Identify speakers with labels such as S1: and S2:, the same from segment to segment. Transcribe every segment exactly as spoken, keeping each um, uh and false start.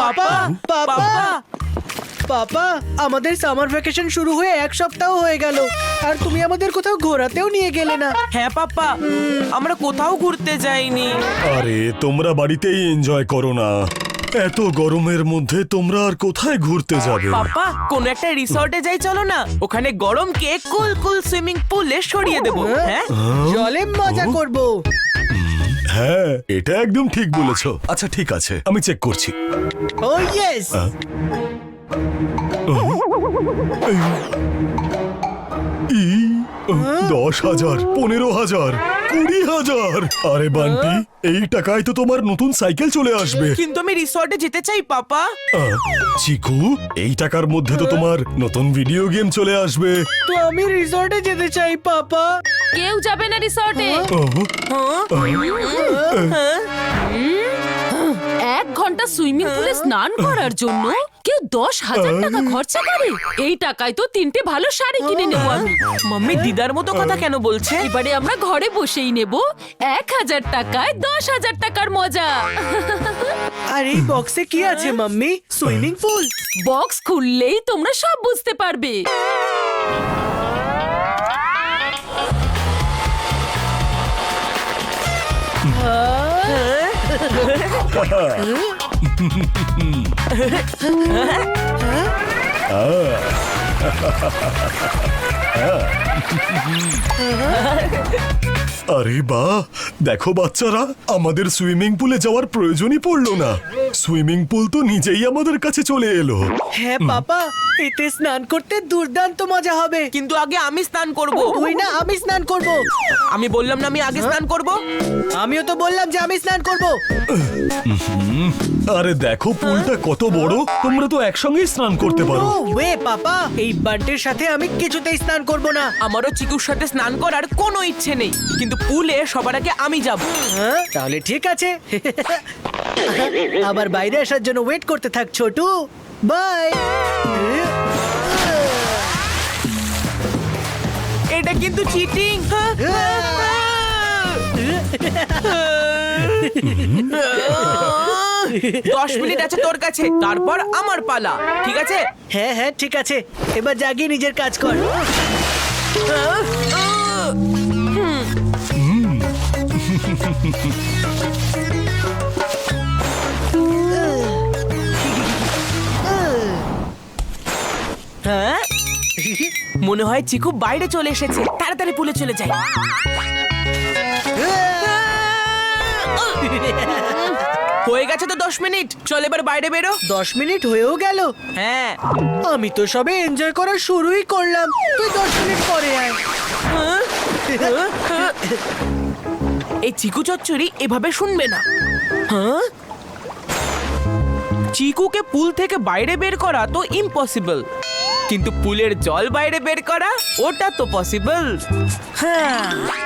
S1: পাপা পাপা পাপা আমাদের summer vacation শুরু হয়ে এক সপ্তাহ হয়ে গেল আর তুমি আমাদের কোথাও ঘোরাতেও নিয়ে গেলে না।
S2: হ্যাঁ পাপা, আমরা কোথাও ঘুরতে যাইনি।
S3: আরে তোমরা বাড়িতেই এনজয় করো না, এত গরমের মধ্যে তোমরা আর কোথায় ঘুরতে যাবে?
S2: পাপা কোন একটা রিসর্টে যাই চলো না, ওখানে গরমকে কুল কুল সুইমিং পুলে সরিয়ে দেবো। হ্যাঁ
S1: জলে মজা করব।
S3: হ্যাঁ এটা একদম ঠিক বলেছো। আচ্ছা ঠিক আছে, আমি চেক করছি।
S1: ও ইয়েস।
S3: ই, দশ হাজার, পনেরো হাজার, কুড়ি হাজার। আরে বান্টি, এই টাকায় তো তোমার নতুন সাইকেল চলে আসবে।
S2: কিন্তু আমি রিসর্টে যেতে চাই পাপা।
S3: আহ, চিকু, এই টাকার মধ্যে তো তোমার নতুন ভিডিও গেম চলে আসবে।
S1: তো আমি রিসর্টে যেতে চাই পাপা।
S4: কেউ যাবে না রিসর্টে। এক ঘন্টা সুইমিং পুলে স্নান করার জন্য কেউ দশ হাজার টাকা খরচা করে? এই টাকায় তো তিনটে ভালো শাড়ি কিনে নেবো আমি।
S2: মাম্মি দিদার মতো কথা কেন বলছে?
S4: এবারে আমরা ঘরে বসেই নেব এক হাজার টাকায় দশ হাজার টাকার মজা।
S1: আর এই বক্সে কি আছে মাম্মি? Swimming pool?
S4: বক্স খুললেই তোমরা সব বুঝতে পারবে।
S3: আরে বাহ, দেখো বাচ্চারা, আমাদের সুইমিং পুলে যাওয়ার প্রয়োজনই পড়লো না। সুইমিং পুল তো নিজেই আমাদের কাছে চলে এলো।
S1: হ্যাঁ পাপা, এতে স্নান করতে দুর্দান্ত মজা হবে।
S2: কিন্তু আগে আমি স্নান করব।
S1: তুই না, আমি স্নান করব।
S2: আমি বললাম না আমি আগে স্নান করব।
S1: আমিও তো বললাম যে আমি স্নান করব।
S3: আরে দেখো পুলটা কত বড়, তোমরা তো একসঙ্গেই স্নান করতে পারো।
S1: ও ওয়ে পাপা, এই বান্টির সাথে আমি কিছুতেই স্নান করব না।
S2: আমারও চিকুর সাথে স্নান করার কোনো ইচ্ছে নেই, কিন্তু পুলে সবার আগে আমি যাব।
S1: হ্যাঁ তাহলে ঠিক আছে। আবার বাইরে আসার জন্য ওয়েট করতে থাক ছোটু। বাই।
S2: এটা কিন্তু চিটিং। দশ মিনিট আছে তোর কাছে, তারপর আমার পালা, ঠিক আছে?
S1: হ্যাঁ হ্যাঁ ঠিক আছে, এবার জাগিয়ে নিজের কাজ কর।
S2: হ্যাঁ মনে হয় চিকু বাইরে চলে এসেছে, তাড়াতাড়ি পুলে চলে যাই। হয়ে গেছে তো দশ মিনিট, চল এবার বাইরে বেরো।
S1: দশ মিনিট হয়েও গেল?
S2: হ্যাঁ
S1: আমি তো সবে এনজয় করা শুরুই করলাম, তুই দশ মিনিট পরে আয়।
S2: এই চিকু চচ্চড়ি এভাবে শুনবে না। হ্যাঁ চিকুকে পুল থেকে বাইরে বের করা তো ইম্পসিবল, কিন্তু পুলের জল বাইরে বের করা ওটা তো পসিবল। হ্যাঁ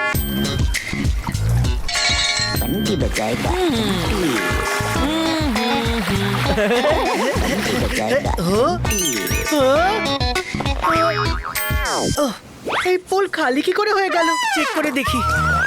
S1: ওহ, এই পুল খালি কি করে হয়ে গেল? চেক করে দেখি।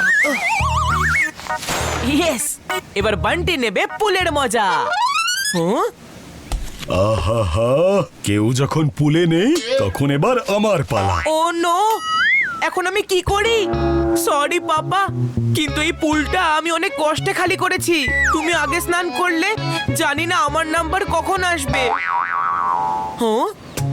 S2: ইয়েস, এবার বান্টি নেবে পুলের মজা। হ্যাঁ
S3: আহা, কেউ যখন পুলে নেই তখন এবার আমার পালা।
S2: ও নো, এখন আমি কি করি? সরি পাপা, কিন্তু এই পুলটা আমি অনেক কষ্টে খালি করেছি। তুমি আগে স্নান করলে, জানি না আমার নাম্বার কখন আসবে। হ্যাঁ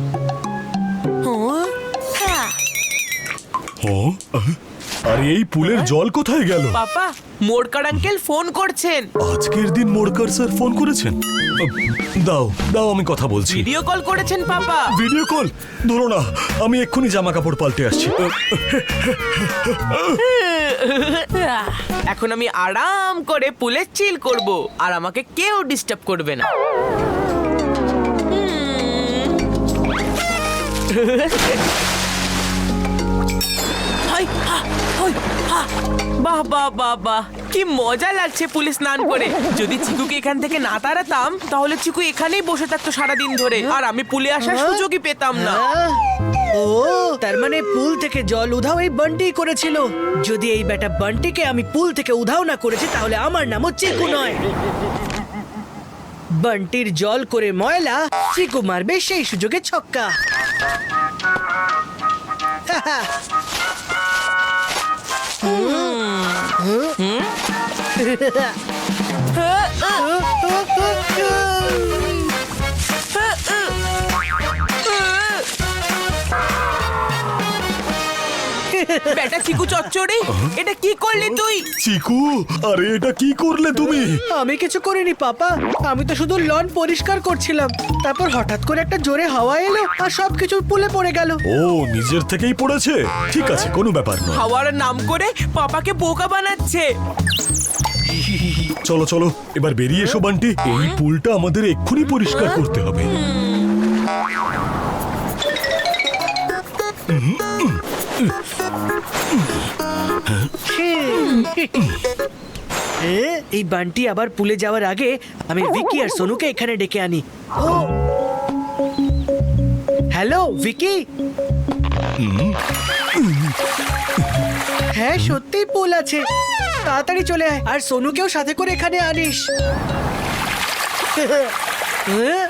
S2: হ্যাঁ
S3: ও, আহ, আরে এই পুলের জল কোথায় গেল?
S2: পাপা, মোরকার আঙ্কেল ফোন করছেন।
S3: আজকের দিন মোড়কার স্যার ফোন করেছেন? আহ, দাও দাও, আমি কথা বলছি।
S2: ভিডিও কল করেছেন পাপা।
S3: Video call? ধরো না, আমি এক্ষুনি জামা কাপড় পাল্টে আসছি।
S2: এখন আমি আরাম করে পুলে চিল করব, আর আমাকে কেউ ডিস্টার্ব করবে না। হাই, হা, হই, হা। বাহ বাহ বাহ বাহ, কি মজা লাগছে পুলে স্নান করে। যদি চিকুকে এখান থেকে না তাড়াতাম, তাহলে চিকু এখানেই বসে থাকতো সারাদিন ধরে, আর আমি পুলে আসার সুযোগই পেতাম না।
S1: আহ, ও তার মানে পুল থেকে জল উধাও এই বান্টি করেছিল। যদি এই বেটা বান্টিকে আমি পুল থেকে উধাও না করেছি, তাহলে আমার নামও চিকু নয়। বান্টির জল করে ময়লা, চিকু মারবে সেই সুযোগে ছক্কা।
S2: বেটা চিকু চচ্চড়ি, এটা কি করলি তুই?
S3: চিকু, আরে এটা কি করলে তুমি?
S1: আমি কিছু করিনি পাপা, আমি তো শুধু লন পরিষ্কার করছিলাম। তারপর হঠাৎ করে একটা জোরে হাওয়া এলো আর সবকিছু পুলে পড়ে গেল।
S3: ও নিজের থেকেই পড়েছে, ঠিক আছে, কোনো ব্যাপার নয়।
S2: হাওয়ার নাম করে পাপাকে বোকা বানাচ্ছে।
S3: চলো চলো এবার বেরিয়ে এসো বান্টি, এই পুলটা আমাদের এক্ষুনি পরিষ্কার করতে হবে।
S1: এ, এই বান্টি আবার পুলে যাওয়ার আগে আমি ভিকি আর সোনুকে এখানে ডেকে আনি। ও হ্যালো ভিকি। হ্যাঁ সত্যিই পুল আছে, তাড়াতাড়ি চলে আয় আর সোনুকেও সাথে করে এখানে আনিস। হ্যাঁ?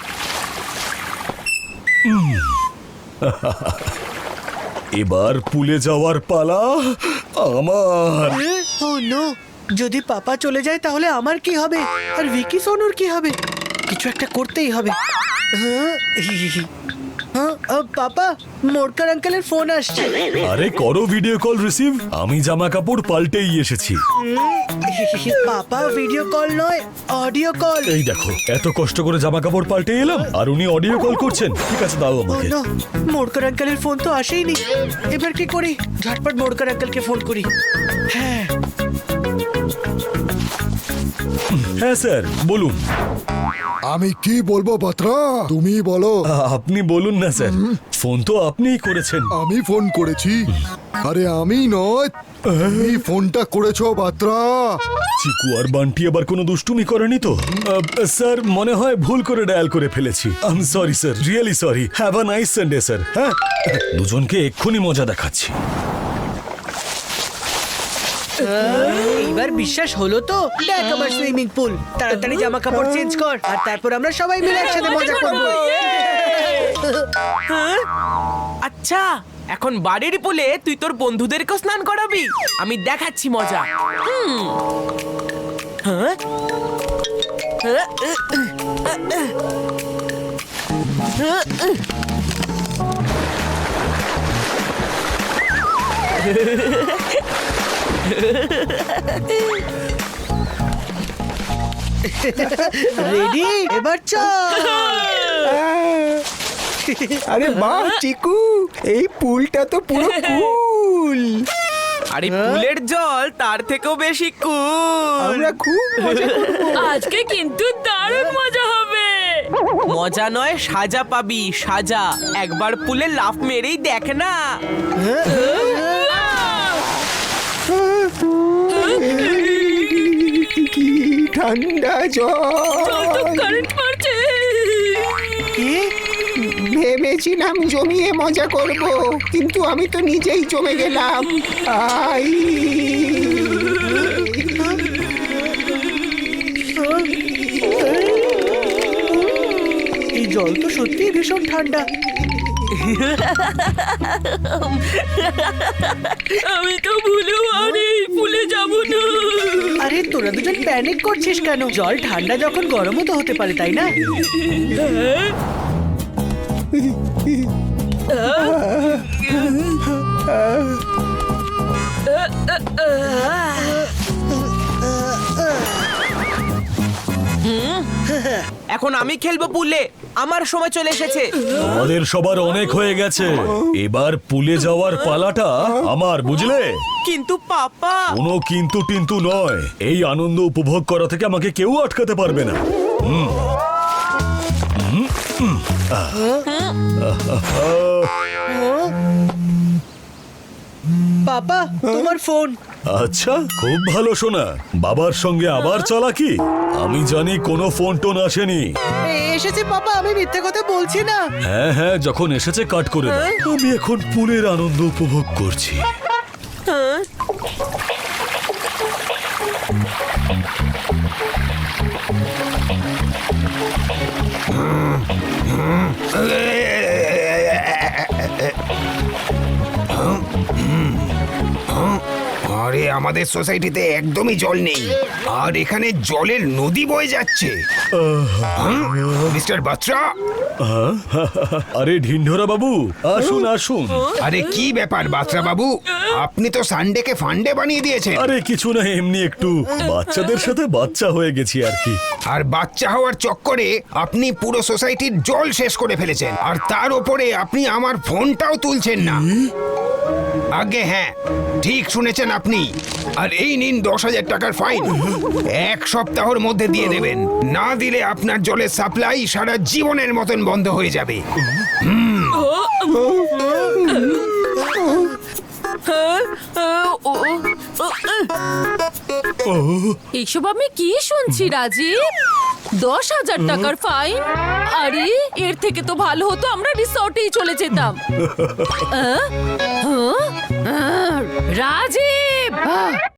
S3: এবার পুলে যাওয়ার পালা আমার।
S1: ও নো, যদি পাপা চলে যায় তাহলে আমার কি হবে, আর ভিকি সোনুর কি হবে? কিছু একটা করতেই হবে। হ্যাঁ? হ্যাঁ, আহ, পাপা, মোরকার আঙ্কেলের ফোন আসছে।
S3: আরে করো ভিডিও কল রিসিভ, আমি জামা কাপড় পাল্টেই এসেছি।
S1: পাপা ভিডিও কল নয়, অডিও কল।
S3: এই দেখো, এত কষ্ট করে জামা কাপড় পাল্টে এলাম আর উনি অডিও কল করছেন। ঠিক আছে, দাও
S1: ও
S3: আমাকে।
S1: নো, মোরকার আঙ্কেলের ফোন তো আসেইনি। এবার কি করি? ঝটপট মোরকার আঙ্কেলকে ফোন করি। হ্যাঁ
S3: হ্যাঁ স্যার, বলুন।
S5: আমি কি বলবো বাত্রা, তুমি বলো।
S3: আ- আপনি বলুন না স্যার, ফোন তো আপনিই করেছেন।
S5: আমি ফোন করেছি? আরে আমি নয়, তুমি ফোনটা করেছো বাত্রা।
S3: চিকু আর বান্টি আবার কোনো দুষ্টুমি করেনি তো? আহ, স্যার মনে হয় ভুল করে ডায়াল করে ফেলেছি। I am sorry sir, really sorry. Have a nice Sunday sir. হ্যাঁ, দুজনকে এক্ষুনি মজা দেখাচ্ছি।
S1: এইবার বিশ্বাস হলো তো? দেখ আমার সুইমিং পুল। তাড়াতাড়ি জামা কাপড় চেঞ্জ কর আর তারপর আমরা সবাই মিলে একসাথে মজা করব।
S2: হ্যাঁ? আচ্ছা, এখন বাড়ির পুলে তুই তোর বন্ধুদেরকে স্নান করাবি? আমি দেখাচ্ছি মজা। হুম। হ্যাঁ? হ্যাঁ?
S1: রেডি? এবার চল।
S6: আরে বাহ চিকু, এই পুলটা তো পুরো কুল।
S2: আরে পুলের জল তার থেকেও বেশি কুল।
S6: আমরা খুব মজা করব।
S4: আজকে কিন্তু দারুণ মজা হবে।
S2: মজা নয়, সাজা পাবি, সাজা। একবার পুলে লাফ মেরেই দেখ না।
S6: কি ঠান্ডা
S4: জল তো
S6: জল।
S4: কারেন্ট মারছে।
S1: কি?
S6: ভেবেছিলাম জমিয়ে মজা করব, কিন্তু আমি তো নিজেই জমে গেলাম। আই
S1: এই জল তো সত্যিই ভীষণ ঠান্ডা।
S4: আমি তো ভুলেও আর এই পুলে যাব না।
S1: আরে তোরা দুজন প্যানিক করছিস কেন? জল ঠান্ডা যখন গরমও তো হতে পারে, তাই না?
S2: এখন আমি খেলবো পুলে, আমার সময় চলে এসেছে।
S3: আমাদের সবার অনেক হয়ে গেছে, এবার পুলে যাওয়ার পালাটা আমার, বুঝলে?
S2: কিন্তু পাপা।
S3: কোনো কিন্তু টিন্তু নয়, এই আনন্দ উপভোগ করা থেকে আমাকে কেউ আটকাতে পারবে না। হুম। হুম, হুম, আহ। আহ।
S1: পাপা, তোমার ফোন।
S3: আচ্ছা, খুব ভালো শোনা। বাবার সঙ্গে আবার চালাকি? আমি জানি কোনো ফোন টোন আসেনি।
S1: এ, এসেছে পাপা, আমি মিথ্যে কথা বলছি না।
S3: হ্যাঁ হ্যাঁ, যখন এসেছে কাট করে দাও। আমি এখন পুলের আনন্দ উপভোগ করছি।
S2: হ্যাঁ?
S7: আরে আমাদের সোসাইটিতে একদমই জল নেই, আর এখানে জলের নদী বয়ে যাচ্ছে। মিস্টার বাত্রা,
S3: আরে ঢিন্ঢোরা বাবু, আসুন আসুন।
S7: আরে কি ব্যাপার বাত্রা বাবু, আপনি তো সানডেকে ফান্ডে বানিয়ে দিয়েছেন।
S3: আরে কিছু না, এমনি একটু বাচ্চাদের সাথে বাচ্চা হয়ে গেছি আর কি।
S7: আর বাচ্চা হওয়ার চক্করে আপনি পুরো সোসাইটির জল শেষ করে ফেলেছেন, আর তার ওপরে আপনি আমার ফোনটাও তুলছেন না। আগে হ্যাঁ, ঠিক শুনেছেন আপনি। আর এই নিন দশ হাজার টাকার ফাইন, এক সপ্তাহের মধ্যে দিয়ে দেবেন। না দিলে আপনার জলের সাপ্লাই সারা জীবনের মতন বন্ধ হয়ে যাবে।
S4: এইসব আমি কি শুনছি রাজীব? দশ হাজার টাকার ফাইন? আরে এর থেকে তো ভালো হতো আমরা রিসর্টেই চলে যেতাম। আহ? হ্যাঁ? আহ, রাজীব! আহ!